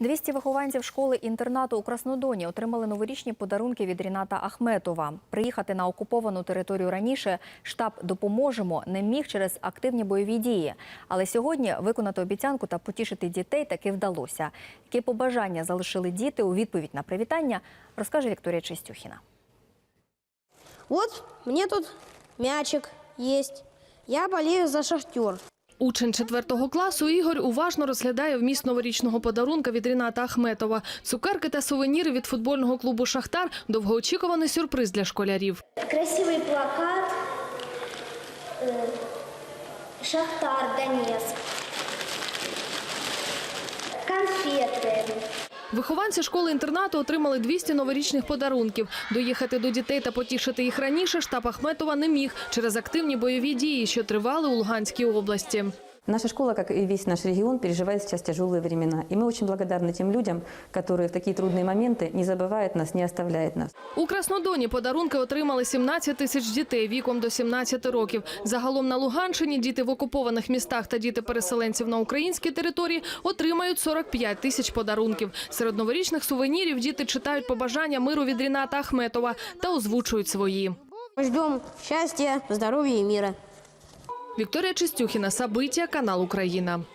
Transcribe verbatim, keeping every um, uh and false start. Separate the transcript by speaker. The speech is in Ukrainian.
Speaker 1: двісті вихованців школи-інтернату у Краснодоні отримали новорічні подарунки від Ріната Ахметова. Приїхати на окуповану територію раніше штаб «Допоможемо» не міг через активні бойові дії. Але сьогодні виконати обіцянку та потішити дітей таки вдалося. Які побажання залишили діти у відповідь на привітання, розкаже Вікторія Чистюхіна.
Speaker 2: От, мені тут м'ячик є. Я болею за «Шахтер».
Speaker 3: Учень четвертого класу Ігор уважно розглядає вміст новорічного подарунка від Ріната Ахметова. Цукерки та сувеніри від футбольного клубу «Шахтар» – довгоочікуваний сюрприз для школярів.
Speaker 4: Красивий плакат «Шахтар Донецк», конфети.
Speaker 3: Вихованці школи-інтернату отримали двісті новорічних подарунків. Доїхати до дітей та потішити їх раніше штаб Ахметова не міг через активні бойові дії, що тривали у Луганській області.
Speaker 5: Наша школа, как и весь наш регион, переживает сейчас тяжелые времена. И мы очень благодарны тем людям, которые в такие трудные моменты не забывают нас, не оставляют нас.
Speaker 3: У Краснодоні подарунки отримали сімнадцять тисяч дітей віком до сімнадцяти років. Загалом на Луганщині діти в окупованих містах та діти переселенців на українській території отримають сорок п'ять тисяч подарунків. Серед новорічних сувенірів діти читають побажання миру від Ріната Ахметова та озвучують свої.
Speaker 2: Ждемо щастя, здоров'я і миру.
Speaker 3: Вікторія Чистюхіна, Сабиття, канал Україна.